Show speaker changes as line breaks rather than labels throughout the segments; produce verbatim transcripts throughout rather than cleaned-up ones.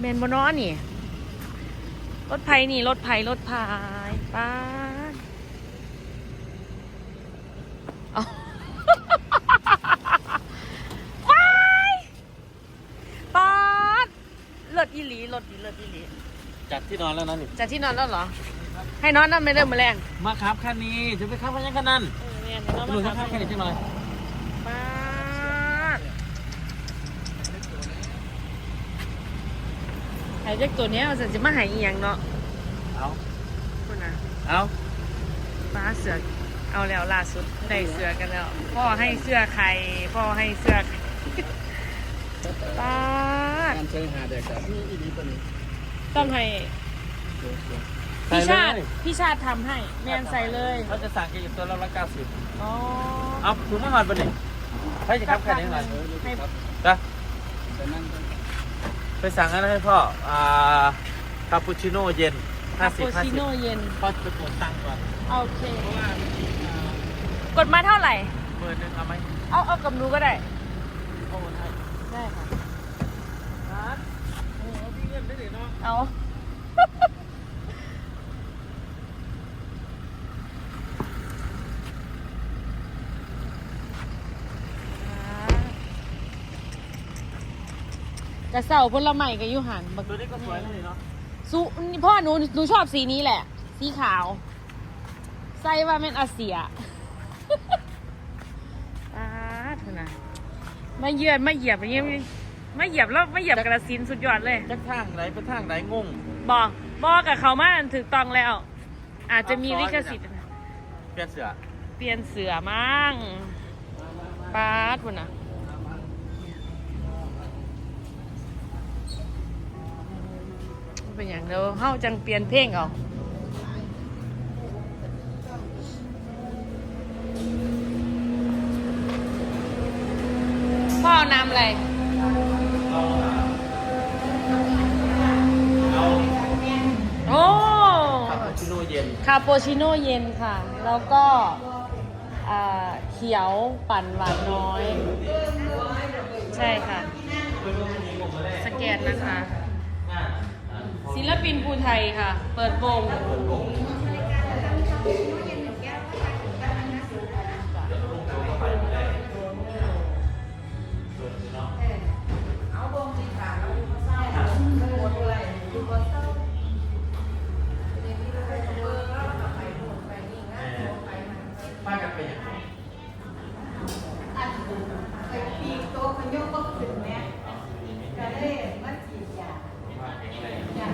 แมนบนอนี่รถไผ่นี่รถไผ่รถพายป้าเอาว้ายป้าเลิศอีหลีเลิศอีเลิศอีหลี
จัดที่นอนแล้วนะนี่
จากที่นอนแล้วเหรอให้นอนนั่นไม่เริ่มมาแรง
มาครับคันนี้จะไปขับคันยังคันนั้น
เออเนี่ย
หนูจะขับคันนี้จังหน่อย
ป้าหายจากตัวเนี้ยเราจะมาหายอีหยังเนาะ
เอา
คุณนะ
เอา
ป้าเสือเอาแล้วล่าสุดได้เสือกันแล้วพ่อให้เสื้อใครพ่อให้เสื้อใครป้า
การเชิงหาเด็กกับพี่อีดีตัวนี้
ต้องให้
ใส่
พี่
เล
ชาติ
ย
พี่ชาติทำให้แมนใส่เลย
เขาจะสั่งแกอยู่ตัวละร้อยเก้าสิบ
อ๋อ
เอาถุงมาหอดไปหนึ่งให้จะขับคันนี้หน่อย
ให้
จ้ะ
แต่นั่ง
ไปสั่งอะไรให้พ่ออ่าคาปูชิโน่เย็นห้า
คา
สิบ
ปู
ห้า
ชิ
สิบ
โน่เย็น
พ่อจะไปกดตังค์ก่อน
โอเค กดมาเท่าไหร่
เบอร์หนึ่งเอาไหม
เอาเอากับหนูก็ได้
โอ้ย
ได้ค่ะ
ครับโอ้โหพี่เงินได้หรือเนาะ
เอากระเสาผลไม้กับยูหันบัก
ตัวนี้ก็สวยเลยเนาะ
สุนี่พ่อหนูหนูชอบสีนี้แหละ สีขาว ใส่ว่าเป็นอาเซีย ป้าดเถอะนะมาเยือนมาเหยียบอย่างเงี้ยมาเหยียบแล้วมาเหยียบกระสินสุดยอดเลย
จะทางไหนไปทางไหนงง
บอกบอกกับเขามาถูกต้องแล้ว อาจจะมีลิขสิทธิ์
เปลี่ยนเสือ
เปลี่ยนเสือมั่งป้าดพุ่นนะเป็นอย่างเดียวเฮาจังเปลี่ยนเพลงเอาพ่อเอาน้ำอะไร โอ้
คาปูชิโน่เย็น
คาปูชิโน่เย็นค่ะ แล้วก็อ่าเขียวปั่นหวานน้อย ใช่ค่ะ สแกนนะคะ ศิลปินภูไทยค่ะ เปิดวง
ป้ากันไปอย่างไร
อันไปปีโตมันยกก็ขึ้นแม่ก็เลยมาฉีดยาจ้ะ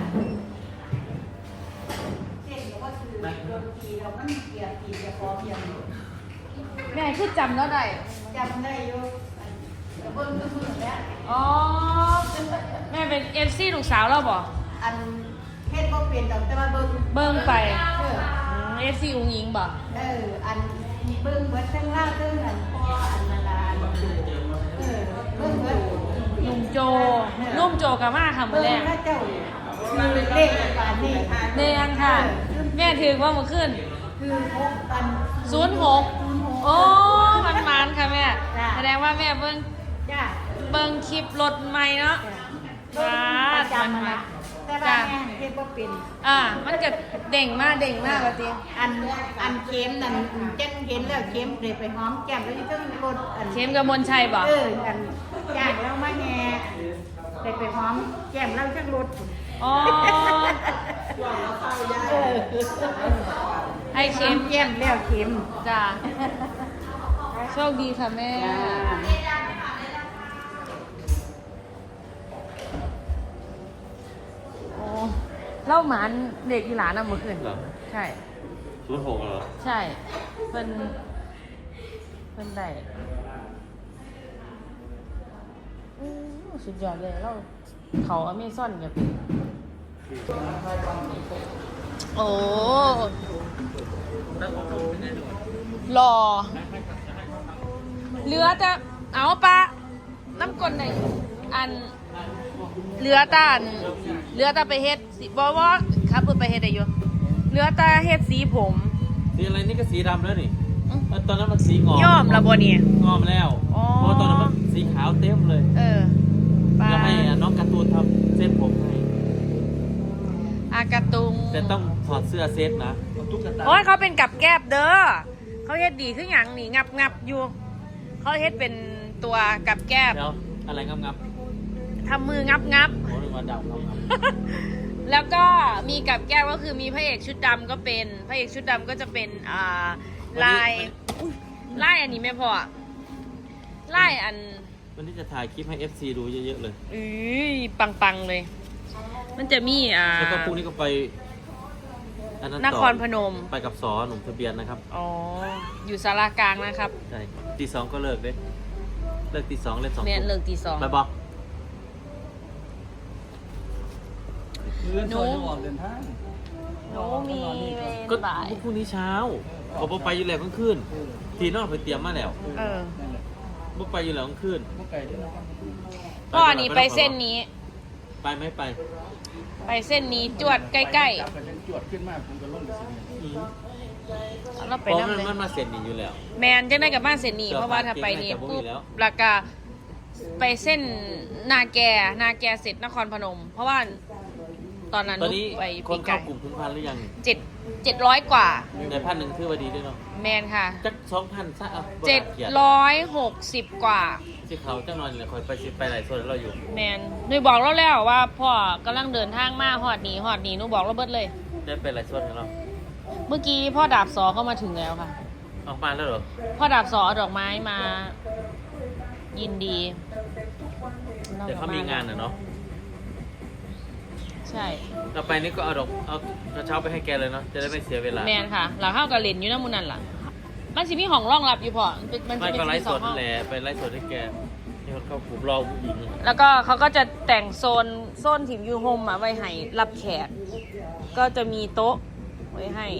เช่นก็คือโดนทีเรามันเกลียดทีจะพร้อมยัง
แม่คือจำแล้วได้
จำได้อยู่กระเบื้องกระเบื้องแล้ว
อ๋อ แม่เป็นเอฟซีลูกสาวเราบ่
อันเฮ็ดบ่เปลี่ยนดอกแต่ว่าเบิ่ง
เบิ่งไป
เออ
เอฟซีอุ้งยิงบ่
เอออันเบิ่งเบิดทั้งล่างทั้งอันพ่ออันนาดาเออเบิ่งเบิด
นุ่มโจนุ่มโจกับมาค่ะมื
เบิ่
อง แรก
พระเจ้าคือเลขบานนี่
เนียนค่ะ แม่ถือว่ามันขึ้น
คือหกอัน
ศูนย์หกโอ้มันมันค่ะแม่
จ้ะ
แสดงว่าแม่เบิ่ง
จ้า
เบิ่งคลิปรถใหม่เนาะ
จ้าประจำนะแต่ว่าแม่เฮ็ดบ่เป็น
อ่า มันก็เด่งมากเด่งมากว่าติ
อันอันเค็มนั่นจังเห็นแล้วเค็มเลยไปหอมแก้มแล้วที่ต้องรสอัน
เข้มกับมนชัยบ่
เอออันจ้างแล้วมาแง่เลยไปหอมแก้มแล้วจังรส
อ๋อ
เออ
ให้
ห
เข้
อ
ม
มแก้มแล้วเค็ม
จ้าโชคดีค่ะแม่
จ้า
โอ้เล่าหมานเด็กอีหลานน่ะเมื่อคืน
เหรอ
ใช่
ศูนย์หกเหรอ
ใช่เพิ่นเพิ่นได้อู้สุดยอดเลยเราเขาอเมซอนกับโอ้หล่อเหลือแต่เอาปะน้ำกลนไหนอันเหลือแตอันเหลือแต่ไปเฮ็ดสิบ่ว่าครับเพิ่นไปเฮ็ดได้อยู่เหลือแต่เฮ็ดสีผม
สีอะไรนี่ก็สีดำแล้วนี่เออตอนนั้นมันสีงอม
ย่อมละบ่เนี่ย
งอมแล้ว
อ๋อ
เพราะตอนนั้นมันสีขาวเต็มเลย
เออปา
แล้วให้น้องการ์ตูนทำเส้นผมให้แต่ต้องถอดเสื้อเซตนะ
ตุ๊กตา
โอ้ยเขาเป็นกับแก้บเด้อเขาเฮ็ดดีขึ้นอหย่างนี่งับงับอยู่เขาเฮ็ดเป็นตัวกับแก้บ
เดี๋ยวอะไรงับงับ
ทำมืองับงับ
โอ้ยว่าดาวงับงับ
แล้วก็มีกับแก้วก็คือมีพระเอกชุดดำก็เป็นพระเอกชุดดำก็จะเป็นอ่าลายอุ๊ยลายอันนี้ไม่พอลายอัน
วันนี้จะถ่ายคลิปให้ เอฟ ซี ดูเยอะๆเลย
อือปังๆเลย มันจะมีอ่า
แล้วก็พรุ่งนี้ก็ไปอันนั้น
น
ต่อ
ครพนม
ไปกับสอหนุ่มทะเบียนนะครับ
อ๋ออยู่สารากลางนะครับ
ใช่ตีสองก็เลิกเด้เลิกตีสองเล่นสอง
เมียนเลิกตีสอง
ไปบอก
เลื่อนซอยจะออกเดินทาง
หนูมีเว
ก็
รบ่าย
พรุ่งนี้เช้าออกไปอยู่แล้วกลางคืนทีนอกไปเตรียมมาแล้ว
เออ
นั่นแหละ
บ่ไปอยู่แล้วกลางคืน
พวกไก่ที่เรา
พ่อนี่ไปเส้นนี้
ไปไหมไป
ไปเส้นนี้จวดใกล้
จับกันจวดขึ้นมาผมก็ล่มไปสิ
อืม
ๆเอาเรา
เพ
ไป
ราะ
นั่ง
มัน
เลย
มันมาเซ็นนี่อยู่แล้ว
แมนจังได้กับบ้านเส้นนี้
เดี๋ยว
เพราะว่าถ้าไปนี่
บ้านเก่ง
ปุ๊บ
น่าจะบ่มีแล้ว
แล้วก็ไปเส้นนาแกนาแกเสร็จนครพนม เพราะว่าตอนนั้น
ตอนนี้
ไป
ค
ปี
น
ไก่
เข้ากลุ่มถึงพันหรือยัง
เจ็ดเจ็ดร้อยกว่า
ในพันหนึ่งคือว่าดีด้วยเนาะ
แมนค่ะ
จักสองพันซะอ่ะ
เจ็ดร้อยหกสิบกว่า
สิเขาจังนอนอยู่เลยคอยไปสิไปหลายส่วนเราอยู่
แมนหนูบอกเราแล้วว่าพ่อกำลังเดินทางมาฮอดหนีฮอดหนีหนูบอกเราเบิดเลย
ได้ไปหลายส่วนของเรา
เมื่อกี้พ่อดาบสอก็มาถึงแล้วค่ะ
ออกมาแล้วเหรอ
พ่อดาบสอเอาดอกไม้มา ยินดี
เดี๋ยวเขามีงานน่ะเนาะ
ใช่
ต่อไปนี่ก็เอาดอกเอากระเช้าไปให้แกเลยเนาะจะได้ไม่เสียเวลา
แมนค่ะหลังเข้ากับเลนอยู่นะมูนันล่ะ มันสิมีห้องรองรับอยู่พอมันเป็นมัน
ไม่
จะเป็น
ก็ไลฟ์
ส
ส
อง
ด
ห้อ
นั่
ง
นแหละไปไลฟ์สดให้แกนี่เขาเข้ากลุ่มรอผู้หญิง
แล้วก็เขาก็จะแต่งโซนโซนถิ่มยูโฮมอะไว้ให้รับแขก ก็จะมีโต๊ะไว้ให้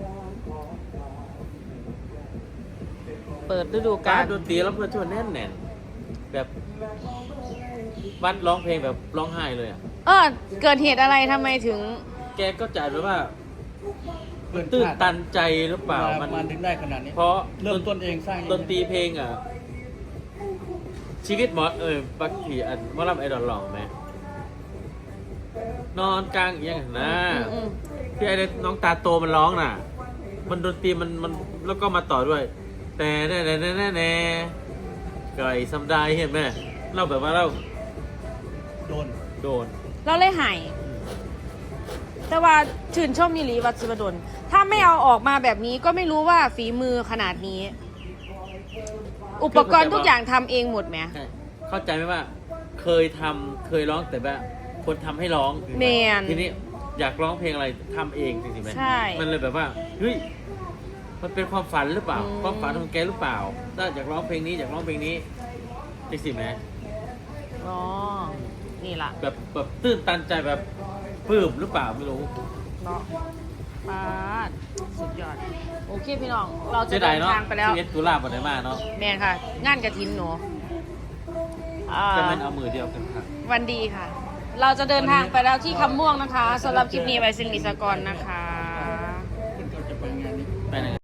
เปิดฤดูกา
การ
ล
ดนตรีแล้วเพื่อนชวนแน่นแน่นแบบวัดร้องเพลงแบบร้องไห้เลยอ่ะ
เออเกิดเหตุอะไรทำไมถึง
แกก็จะแบบว่า
เพื่อน
ตื้นตันใจหรือเปล่า
มั
มัน น
มันถึงได้ขนาดนี้
เพราะ
เริ่มต้นเองสร้างเอง
ดนตรีเพลงอ่ะ ชีวิตหมอเออปักขี่อันว่ารับไอดอลหล่อไหมนอนกลางเอียงนะ
อืม
ที่ไอ้น้องตาโตมันร้องน่ะ มันดนตรีมันมันแล้วก็มาต่อด้วย แต่แน่แน่แน่แน่แน่ไก่ซัมไดเห็นไหมเราแบบว่าเรา
โดน
โดน
เราเลยหาย แต่ว่าชื่นชมมิลีวัดสุวดลถ้าไม่เอาออกมาแบบนี้ก็ไม่รู้ว่าฝีมือขนาดนี้ อุปกรณ์ทุกอย่างทำเองหมดไหม
ใช่เข้าใจไหมว่า เคยทำเคยร้องแต่แบบคนทำให้ร้อง
แมน
ทีนี้อยากร้องเพลงอะไรทำเองจริงๆไหม
ใช่
มันเลยแบบว่าเฮ้ยมันเป็นความฝันหรือเปล่า
อืม
ความฝันของแกหรือเปล่าถ้าอยากร้องเพลงนี้อยากร้องเพลงนี้จริงๆไหม
อ๋อ นี่ล่ะ
แบบแบบตื้นตันใจแบบปลื้มหรือเปล่าไม่รู้
เนาะปาดสุดยอด โอเคพี่น้อง เราจะ
เสีย
เดิ
ดาย
น
เนาะ
ทางไปแล้ว
ชีวิตตุลาบได้มาเนาะ
แมนค่ะ งานกระถินหนูอ่า
แต่มันเอามือเดียวกันค่ะ
วันดีค่ะ เราจะเดินทางไปแล้วที่คำม่วงนะคะสำหรับคลิปนี้ไว้สิริสกรนะคะ